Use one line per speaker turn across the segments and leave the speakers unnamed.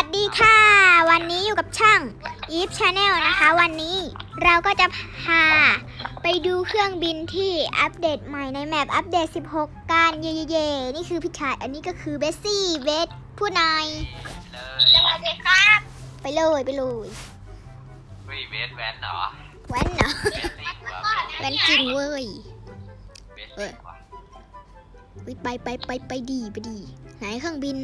ดีค่ะวันนี้อยู่กับช่าง Eve Channel นะคะ วันนี้เราก็จะพาไปดูเครื่องบินที่อัปเดตใหม่ในแมปอัปเดต 16 กันเย่ๆนี่คือพี่ชายอันนี้ก็คือเบสซี่เบสผู้นาย
สวัสดีครับ
ไปเลย
เฮ้ยเบสแวนเหรอ
แว้นเหรอ
เบสซิ่งเหรอ
แว้นจริงเว้ย
เบสซิ่งว่ะ
ไปดีไหนเครื่องบิน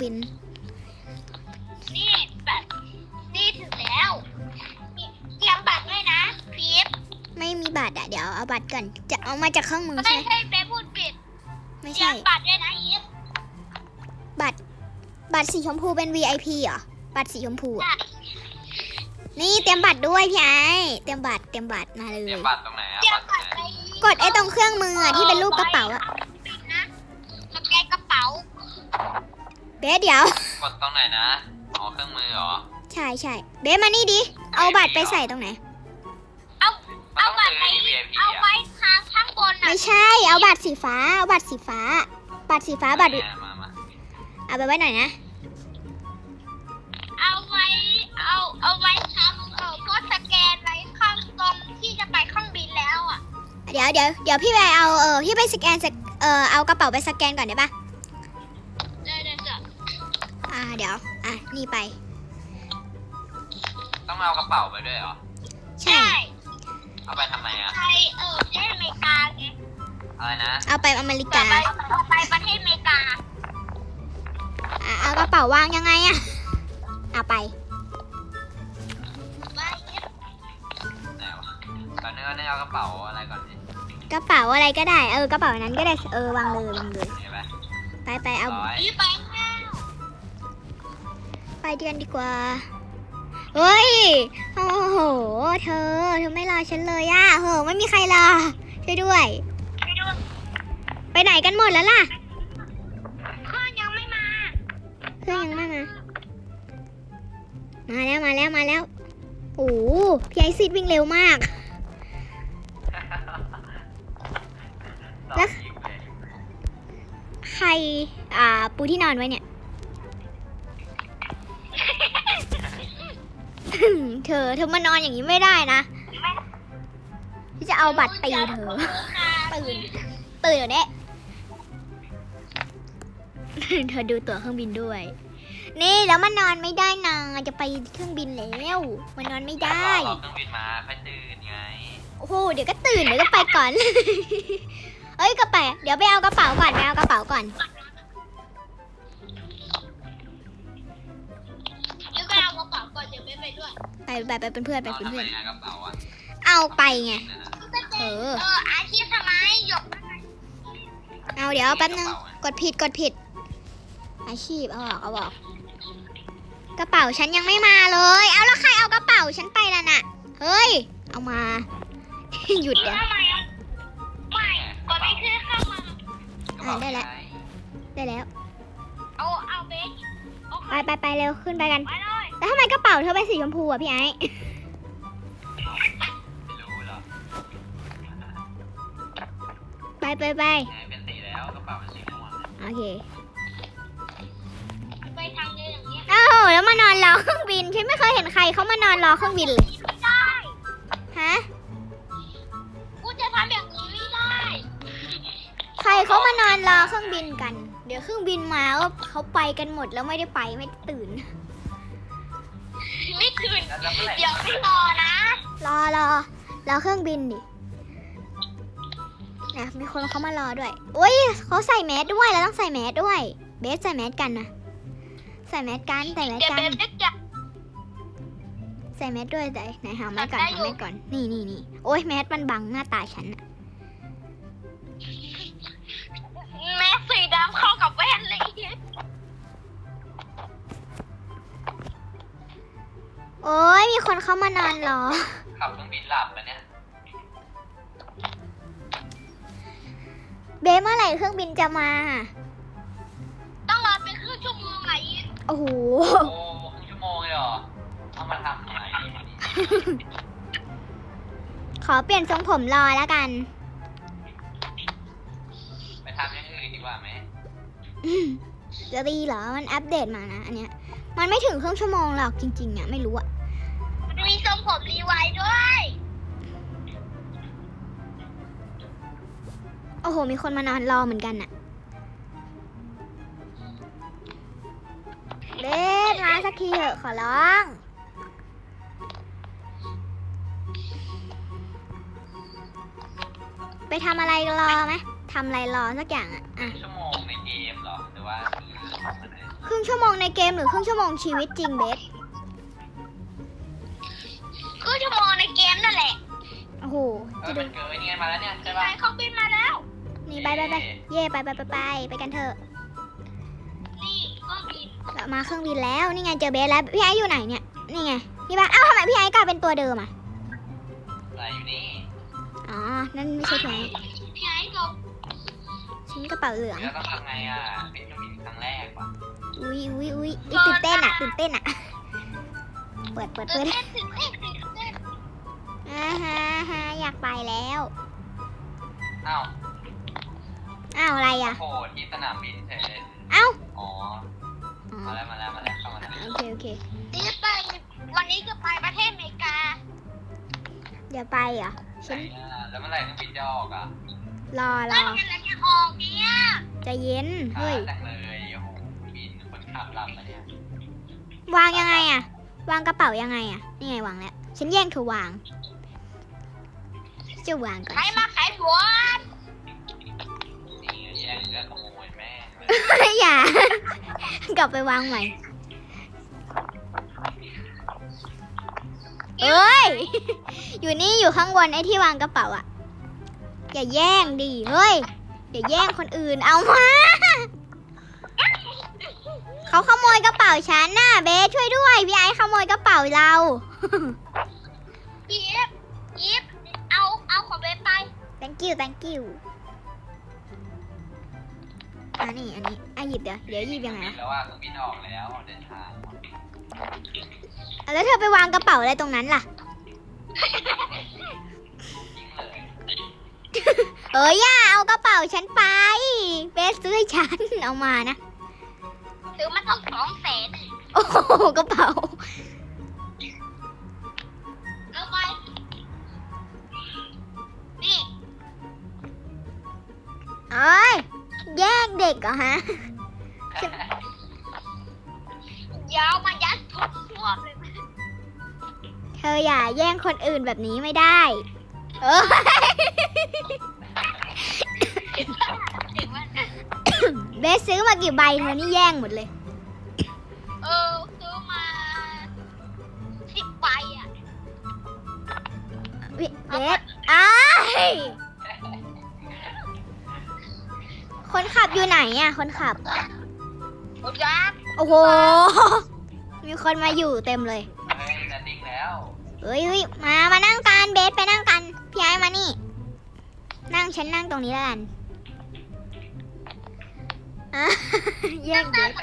นี่แบบนี่ถึงแล้วเตรียมบัตรด้วยนะพีฟ
ไม่มีบัตรอ่ะเดี๋ยวเอาบัตรก่อนจะเอามาจากเครื่องมือ
ไม่
ใช่ไหม
ใช่เป๊พูดผิด
ไม่
เตรีย
ใช่
มบัตรด้วยนะอีฟ
บัตรสีชมพูเป็น VIP เหรอบัตรสีชมพูอะนี่เตรียมบัตรด้วยพี่ไอเตรียมบัตรมาเล
เตรีย
ย
มบัตรตรงไหนอะ
เตรียม
บัตรตร
บั
ง
ตร
ไหน
ไป
กดไอ้ตรงเครื่องมืออะที่เป็นรูปกระเป๋าอะ
ปิดนะสแกนกระเป๋า
เบสเดี๋ยว
กดตรงไหนนะอ๋อเครื่องมือเหรอ
ใช่เบสมานี่ดิเอาบัตรไปใส่ตรงไหน
เอาบัตรไปเอาไว้ข้างบนน่ะ
ไม่ใช่เอาบัตรสีฟ้าบัตร
เนี่ยมา
เอาไปไว้หน่อยนะ
เอาไว้ทำก็สแกนไว้ข้างตรงที่จะไปเครื่องบินแล้วอ่ะ
เดี๋ยวพี่ไปเอาพี่ไปสแกนเอากระเป๋าไปสแกนก่อนได้ปะ
ได้จ้ะ
เดี๋ยวนี่ไป
ต้องเอากระเป๋าไปด้วยเหรอ
ใช่
เอาไปทำไมอะ
ไปประเทศอเมริกาไง
อะไรนะ
เอาไปอเมริ
จะ
กา
ไปประเทศอเมริกา
เอากระเป๋าวางยังไงอะเอาไป
ไปอีฟ
ไหนวะตอนนี้ก็ได้เอากระเป๋าอะไรก่อนดิ
กระเป๋าอะไรก็ได้กระเป๋านั้นก็ได้วางเลย
เห็นไหม
ไปเอา
ร้อย
อีฟไปข้าว
ไปเดือนดีกว่าเฮ้ยโอ้โหเธอไม่รอฉันเลยอะโหไม่มีใครรอช่วยด้วย
ไปดู
ไปไหนกันหมดแล้วล่ะ
เครื่องยังไม่มา
เพื่อนยังไม่มาแล้วโอ้โหพี่ไอซิดวิ่งเร็วมาก
แล้วยิงเลย
ใครปูที่นอนไว้เนี่ย เธอมานอนอย่างนี้ไม่ได้นะที่จะเอาบัตรตีเธอ ตื่นเดี๋ยวนี้ เธอดูตั๋วเครื่องบินด้วย นี่แล้วมันนอนไม่ได้นะจะไปเครื่องบินแล้วมันนอนไม่ได้
รอเครื่องบินมาค่อยตื่นไง
โอ้โหเดี๋ยวก็ตื่นเดี๋ยวก็ไปก่อน เอ้ยก็ไปเดี๋ยวไปเอากระเป๋าก่อน
ยูก็เอากระเป๋าก่อนเดี๋ยวไม่ไปด้วย
ไปเป็นเพื่อน
เอาทำไมอะกระเป๋าอะ
เอาไปไง
อาชีพทำไมหยก
เอาเดี๋ยวแป๊บนึงกดผิดอาชีพเอาออกกระเป๋าฉันยังไม่มาเลยเอาแล้วใครเอากระเป๋าฉันไปล่ะน่ะเฮ้ยเอามา หยุดเดี๋ยว
ทำไมไม่กดไม่ขึ้นเข้ามา
กระเป๋า
ได้แล้ว
ไง
ได้แล้ว
เอาเบส
ไปเร็วขึ้นไปกัน
ไปเลย
แล้วทำไมกระเป๋าเธอเป็นสีชมพูอ่ะพี่ไอ้
ไม่รู้เหรอ
ไป
ไหนเป็นสีแล้วกระเป๋าเป็นสีม่วง
โอเค
ไปทางเดินอย่างเงี้ย
เอ้าแล้วมานอนรอเครื่องบินฉันไม่เคยเห็นใครเขามานอนรอเครื่องบินเลย
ไม่ได้
ฮะ
กูจะทำอย่างนี้ไม่ได้
ใครเขามานอนรอเครื่องบินกัน เดี๋ยวเครื่องบินมาก็เขาไปกันหมดแล้วไม่ได้ไปไม่ได้ตื่น
ไม่คืน
แล้วเมื่อไหร่
เดี๋ยวไม่รอนะ
รอเครื่องบินดินะมีคนเขามารอด้วยอุ้ยเขาใส่แมสด้วยเราต้องใส่แมสด้วย เบสใส่แมสกันนะใส่แมสกัน
เดี๋ยวเบสจะ
ใส่แมสด้วยไหนหาแมสก่อนนี่โอ้ยแมสมันบังหน้าตาฉันอะ
แม่สีดำเข้ากับแว่นเลย
โอ้ยมีคนเขามานอนรอ
ขับเครื่องบินหลับมาเนี่ย
เบสเมื่อไหร่เครื่องบินจะมา
ต้องรอเป็นครึ่งชั่วโมงไหน
โอ้โห
โอ้ครึ่งชั่วโมงเลยเหรอเอามาทำอะไร
ขอเปลี่ยนทรงผมรอแล้วกัน
ไปทำอย่างอื่นดีกว่าไหม
อืมจะดีเหรอมันอัปเดตมานะอันเนี้ยมันไม่ถึงครึ่งชั่วโมงหรอกจริงๆอ่ะไม่รู้อ่ะ
มันมีทรงผมรีไวด์ด้วย
โอ้โหมีคนมานอนรอเหมือนกันน่ะเบสมาสักทีเถอะขอร้องไปทำอะไรรอไหมทำอะไรรอสักอย่างอ่ะ
ชั่วโมงในเกมเหรอหรือว่าของอะไร
ครึ่งชั่วโมงในเกมหรือครึ่งชั่วโมงชีวิตจริงเบส
คือชั่วโมงในเกมนั่นแหละ
โอ้โห จะดู
มันเกิดนี่ไงมาแล้วเนี่ยใช่
ไป
ป่ะ
เครื่องบินมาแล้ว
นี่ไปเย่ไปกันเถอะ
นี่เครื่องบิน
เรามาเครื่องบินแล้วนี่ไงเจอเบสแล้วพี่ไอซ์อยู่ไหนเนี่ยนี่ไงพี่บ้าเอ้าทำไมพี่ไอซ์กลายเป็นตัวเดิมอ่ะ
อะไรอยู่นี่
อ๋อนั่นไม่ใช่พี่ไอซ์
พี่ไอ้จบ
ฉันกระเป๋าเหลือง
แล้วต้องทำไงอ่ะเป็นเครื่องบินครั้งแรกป่ะ
อุ้ยตื่นเต้นอ่ะเปิด
ตื่นเต้นตื่นเต้นตื่นเต้น
ฮะอยากไปแล้ว
อ้าว
อ้าวอะไรอ่ะ
โผล่ที่สนามบินเฉย
เอ้า
อ๋อ
อ๋อ
มาแล้วเข้ามาแล้ว
โอเค
นี่จะไปวันนี้จะไปประเทศอเมริกา
เดี๋ยวไปเหรอฉั
ไหน
น
อ่ะแล้วเมื่อไหร่เครื่องบินจะออกอ่ะ
รอ
นั่นไงแล้วจะออกเนี่ย
ใจเย็น
ช้า
เฮ้ย
จังเลยโอ้โหบินคนขับหลับมาเนี่ยว
างยังไงอ่ะ วางกระเป๋ายังไงอ่ะนี่ไงวางแล้วฉันแย่งเธอวางจะวางก่อน
ใครมาขายหัว
นี่แย่งก็ขโมยแม่งเลย
อย่า กลับไปวางใหม่เอ้ย อยู่นี่อยู่ข้างบนไอ้ที่วางกระเป๋าอ่ะ อย่าแย่งดิเฮ้ยอย่าแย่งคนอื่นเอามา เขาขโมยกระเป๋าฉันน่ะเบสช่วยด้วยพี่ไอซ์ขโมยกระเป๋าเรา
ยิบเอาของเบสไป
thank you อันนี้หยิบเดี๋ยวหยิบยังไง
บิน
อะ
แล้วว่าเครื่องบินออกแล้วเดินทาง
แล้วเธอไปวางกระเป๋าอะไรตรงนั้นล่ะ
ทิ้งเลย
อย่าเอากระเป๋าฉันไปเบสซื้อให้ฉันเอามานะ
ซื้อมาต้อง200,000
โอ้โหกระเป๋า
เอาไปนี่
เอ้ยแย่งเด็กเหรอฮะ
ยาวมายัดทุกพวกเลย
เธออย่าแย่งคนอื่นแบบนี้ไม่ได้ เออ
ถึงว่า
เบสซื้อมากี่ใบเธอนี่แย่งหมดเลย
ซื้อมา10 ใบอ่ะ
เบสอ้ายคนขับอยู่ไหนอ่ะ คนขับ
หมดยักษ์
โอ้โห มีคนมาอยู่เต็มเลย
เฮ้ยจะดิ้งแล้ว
เฮ้ยมานั่งกันเบสไปนั่งกัน พี่ไอ้มานี่ ฉันนั่งตรงนี้แล้วกันอ่ะ แย่งเบส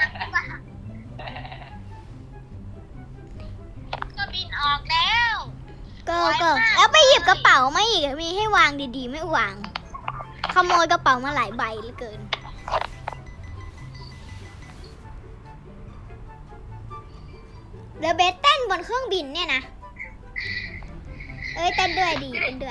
ก็บินออกแล้ว
ก็แล้วไปหยิบกระเป๋ามาอีกมีให้วางดีๆไม่วาง ขโมยกระเป๋ามาหลายใบเหลือเกิน เดี๋ยวเบสเต้นบนเครื่องบินเนี่ยนะ เอ้ยเต้นด้วยดีเต้นด้วย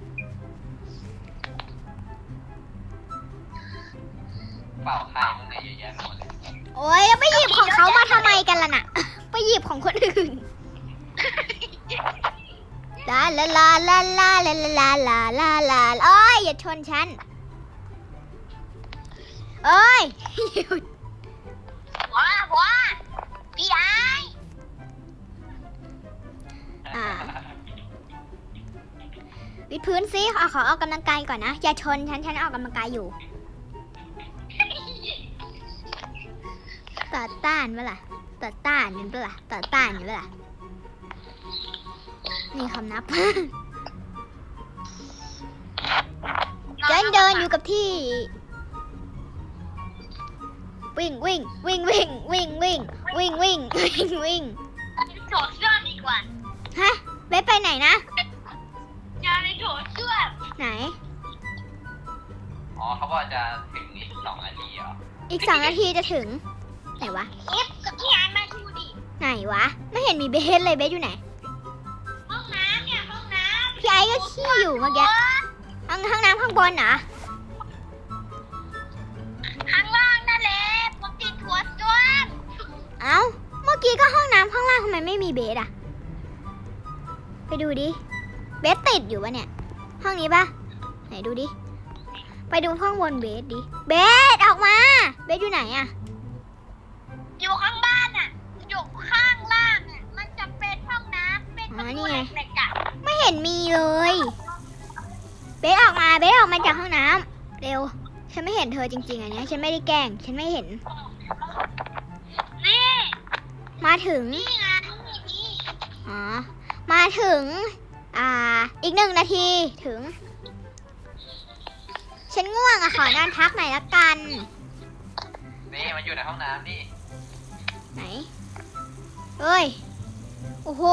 เป่าใครมึงเนี่ยเยอะแยะไปหมดเลย
โอ้ยแล้วไปหยิบของเขามาทำไมกันล่ะน่ะ ไปหยิบของคนอื่น ลาลาลาลาลาลาลาลาลาลาโอ้ยอย่าชนฉันเอ้ยหยุด
ว้าพี่ไอ้
วิดพื้นซิขอออกกำลังกายก่อนนะ อย่าชนฉันออกกำลังกายอยู่ ต่อต้านเปล่าต่อต้านอยู่เปล่าต่อต้านอยู่เปล่านี่คำนับ เดินอยู่กับที่ วิ่ง
โถเสื้อดีกว่า
ฮะเบสไปไหนนะ
ยาในโถเสื้อ
ไหน
อ๋อเขาบอกจะถึงอีก2 นาทีเหรอ
อีก2 นาทีจะถึง ไหนวะ
อิฟกับพี่ไอ้มาดูดิ
ไหนวะ ไม่เห็นมีเบสเลยเบสอยู่ไหน
ห้องน้ำเนี่ยห้องน้ำ
พี่ไอ้ก็ขี้อยู่เมื่อกี้ห้องน้ำข้างบนเหรอ
ข้างล่างนั่นแหละผมติดหัวจ้วง
เอ้า เมื่อกี้ก็ห้องน้ำข้างล่างทำไมไม่มีเบสอะไปดูดิ เบสติดอยู่ปะเนี่ย ห้องนี้ปะไหนดูดิ ไปดูห้องบนเบสดิ เบสออกมา เบสอยู่ไหนอะ
อยู่ข้างบ้านอ่ะ อยู่ข้างล่างอ่ะ มันจะเป็นห้องน้ำเป็นประตูเหล็กๆอ่ะ
ไม่เห็นมีเลย เบสออกมา เบสออกมาจากห้องน้ำเร็ว ฉันไม่เห็นเธอจริงๆอันเนี้ยฉันไม่ได้แกล้ง ฉันไม่เห็น
นี่
มาถึง
นี่ไงนี่
อ๋อ มาถึง อีก1 นาทีถึง ฉันง่วงอะขอนอนพักหน่อยละกัน
นี่มันอยู่ในห้องน้ำนี่
ไหน เฮ้ย โอ้โห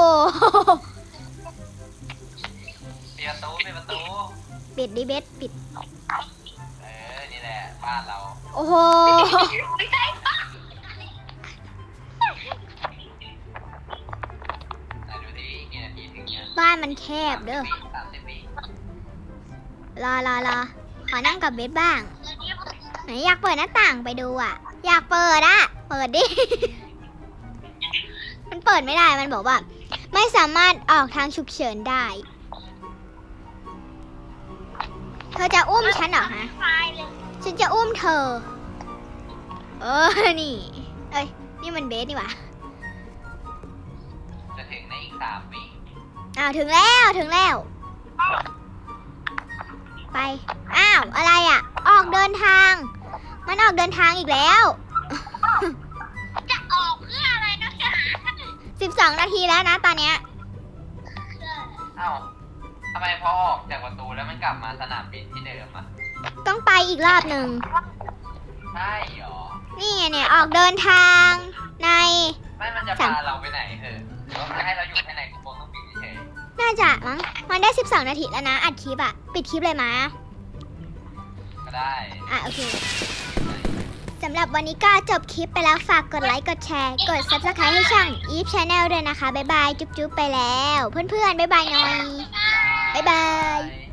ปิดประตูปิดประตู
ปิดดิเบสปิด
นี่แหละบ้านเรา
โอ้โห
ไม่ใช่ปะ
ไหนดูที่อีกกี่นาทีถึงเนี่ย
บ้านมันแคบเด้อ
30 วิ
รอ ขอนั่งกับเบสบ้าง ไหนอยากเปิดหน้าต่างไปดูอะอยากเปิดอะเปิดดิ มันเปิดไม่ได้ มันบอกว่า ไม่สามารถออกทางฉุกเฉินได้ เธอจะอุ้มฉันเหรอฮะ
ตายเลย
ฉันจะอุ้มเธอ นี่ เอ้ย นี่มันเบสนี่หว่า
จะถึงในอีก3 วิ
อ้าวถึงแล้ว ไป อ้าว อะไรอ่ะ ออกเดินทาง มันออกเดินทางอีกแล้ว
จะออกเพื่ออะไรนะจ๊ะ
12 นาทีแล้วนะตอนเนี้ย
เอ้าทำไมพอออกจากประตูแล้วมันกลับมาสนามบินที่เดิมอ่ะ
ต้องไปอีกรอบหนึ่ง
ใช่หรอ
นี่ไงเนี่ย ออกเดินทางใน
ไม่มันจะพาเราไปไหนหรือว่ามันจะให้เราอยู่แค่ในกระโปรงเครื่องบินเฉย
น่าจะมั้ง มันได้ 12 นาทีแล้วนะ อัดคลิปอะปิดคลิปเลยมา
ก็ได้
โอเค สำหรับวันนี้ก็จบคลิปไปแล้ว ฝากกดไลค์ กดแชร์ กด Subscribe ให้ช่อง Eve Channel ด้วยนะคะ บ๊ายบาย จุ๊บๆไปแล้ว เพื่อนๆ บ๊ายบายหน่อย บ๊ายบาย
บาย